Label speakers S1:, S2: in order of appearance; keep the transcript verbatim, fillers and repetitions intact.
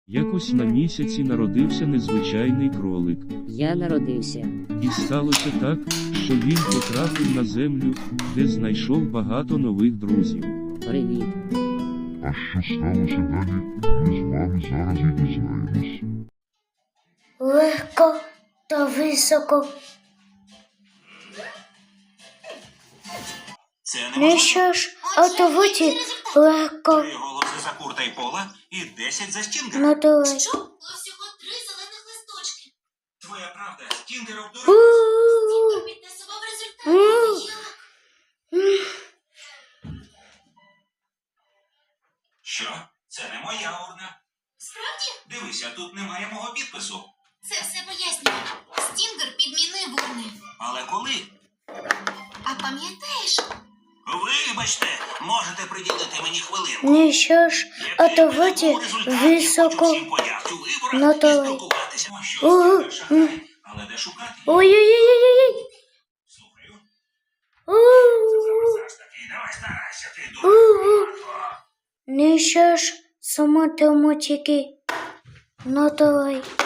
S1: Якось на місяці народився незвичайний кролик.
S2: Я народився.
S1: І сталося так, що він потрапив на землю, де знайшов багато нових друзів.
S2: Привіт.
S3: А що сталося далі, ми з вами зараз і дізнаємось.
S4: Легко та високо.
S5: Це
S4: Ну
S5: неможливо.
S4: що ж, отовуті легко.
S5: Три голоси за Курта і Пола і десять за Стінгера.
S4: Ну давай.
S6: Що? Було всього три зелених листочки.
S5: Твоя правда, Стінгер
S4: У,
S5: обдурив.
S4: у,
S6: Підтасував
S4: у.
S6: результати. Я...
S5: Що? Це не моя урна.
S6: Справді?
S5: Дивися, тут немає мого підпису.
S6: Це все пояснює. Стінгер підмінив урни.
S5: Але коли?
S6: А пам'ятаєш?
S5: Вибачте, можете приділити мені хвилинку.
S4: Ну що ж, отовуті високо. Ну, давай.
S5: Що,
S4: Ого.
S5: Стінгер шахрай? Але де шукати?
S4: Ой-ой-ой-ой-ой.
S5: Слухаю.
S4: У,
S5: Зараз таки, давай старайся, ти дуже
S4: у.
S5: багато.
S4: Ну що ж, самотомотики. Ну давай.